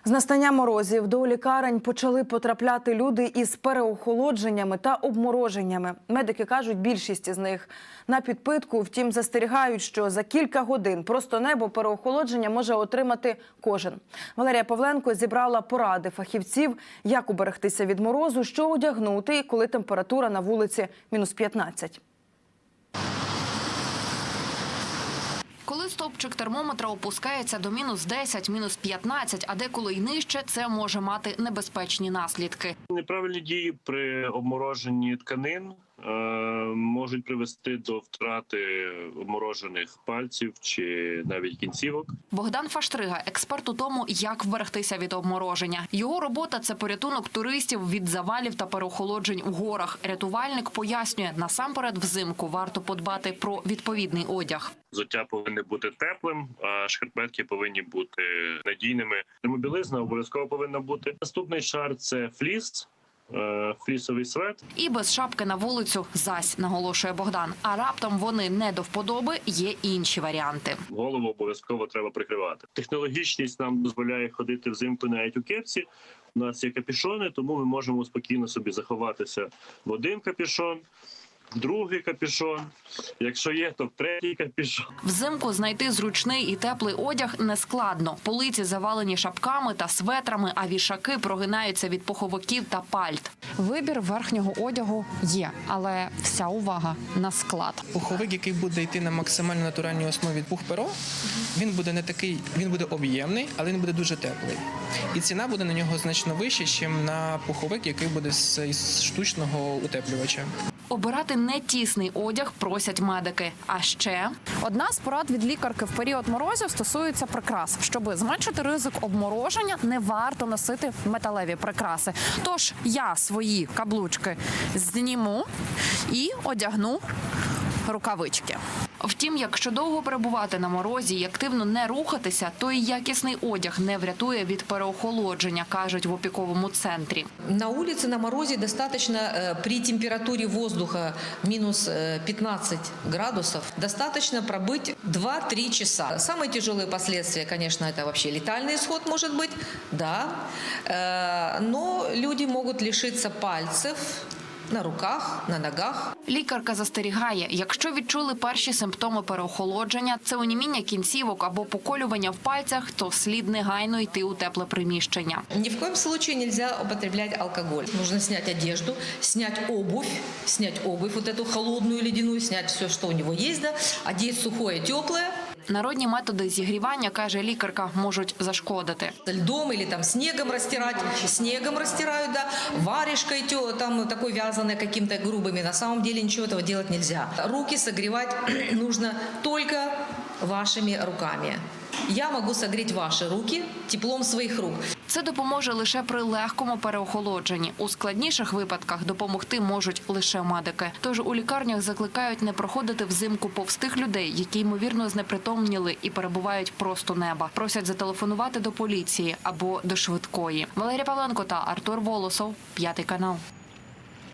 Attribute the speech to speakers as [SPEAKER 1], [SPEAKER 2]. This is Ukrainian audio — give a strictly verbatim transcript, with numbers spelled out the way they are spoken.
[SPEAKER 1] З настанням морозів до лікарень почали потрапляти люди із переохолодженнями та обмороженнями. Медики кажуть, більшість із них на підпитку, втім застерігають, що за кілька годин просто небо переохолодження може отримати кожен. Валерія Павленко зібрала поради фахівців, як уберегтися від морозу, що одягнути, коли температура на вулиці мінус п'ятнадцять.
[SPEAKER 2] Коли стовпчик термометра опускається до мінус десять, мінус п'ятнадцять, а деколи й нижче, це може мати небезпечні наслідки.
[SPEAKER 3] Неправильні дії при обмороженні тканин е, можуть привести до втрати обморожених пальців чи навіть кінцівок.
[SPEAKER 2] Богдан Фаштрига – експерт у тому, як вберегтися від обмороження. Його робота – це порятунок туристів від завалів та переохолоджень у горах. Рятувальник пояснює, насамперед взимку варто подбати про відповідний одяг.
[SPEAKER 3] Взуття повинне бути теплим, а шкарпетки повинні бути надійними. Термобілизна обов'язково повинна бути. Наступний шар – це фліс, флісовий свет.
[SPEAKER 2] І без шапки на вулицю зась, наголошує Богдан. А раптом вони не до вподоби, є інші варіанти.
[SPEAKER 3] Голову обов'язково треба прикривати. Технологічність нам дозволяє ходити взимку навіть у кепці. У нас є капюшони, тому ми можемо спокійно собі заховатися в один капюшон, другий капюшон, якщо є, то в третій капюшон.
[SPEAKER 2] Взимку знайти зручний і теплий одяг нескладно. Полиці завалені шапками та светрами, а вішаки прогинаються від пуховиків та пальт. Вибір верхнього одягу є, але вся увага на склад.
[SPEAKER 4] Пуховик, який буде йти на максимально натуральній основі пух-перо, він буде не такий, він буде об'ємний, але він буде дуже теплий. І ціна буде на нього значно вища, ніж на пуховик, який буде з штучного утеплювача.
[SPEAKER 2] Обирати не тісний одяг просять медики. А ще
[SPEAKER 5] одна з порад від лікарки в період морозів стосується прикрас. Щоб зменшити ризик обмороження, не варто носити металеві прикраси. Тож я свої каблучки зніму і одягну рукавички.
[SPEAKER 2] Втім, якщо довго перебувати на морозі і активно не рухатися, то і якісний одяг не врятує від переохолодження, кажуть в опіковому центрі.
[SPEAKER 6] На улице на морозе достаточно при температуре воздуха минус пятнадцать градусов достаточно пробыть два-три часа. Самые тяжелые последствия, конечно, это вообще летальный исход может быть, да, но люди могут лишиться пальцев на руках, на ногах.
[SPEAKER 2] Лікарка застерігає, якщо відчули перші симптоми переохолодження, це оніміння кінцівок або поколювання в пальцях, то слід негайно йти у тепле приміщення.
[SPEAKER 6] Ни в коем случае нельзя употреблять алкоголь. Нужно снять одежду, снять обувь, снять обувь, вот эту холодную, ледяную, снять все, что у него есть, да, одеть сухое, теплое.
[SPEAKER 2] Народні методи зігрівання, каже лікарка, можуть зашкодити.
[SPEAKER 6] Льдом или там снегом растирать, снегом растирают, да, варежкой там такой вязаной каким-то грубыми. На самом деле ничего этого делать нельзя. Руки согревать нужно только вашими руками. Я можу согріти ваші руки теплом своїх рук.
[SPEAKER 2] Це допоможе лише при легкому переохолодженні. У складніших випадках допомогти можуть лише медики. Тож у лікарнях закликають не проходити взимку повз тих людей, які, ймовірно, знепритомніли і перебувають просто неба. Просять зателефонувати до поліції або до швидкої. Валерія Павленко та Артур Волосов, П'ятий канал.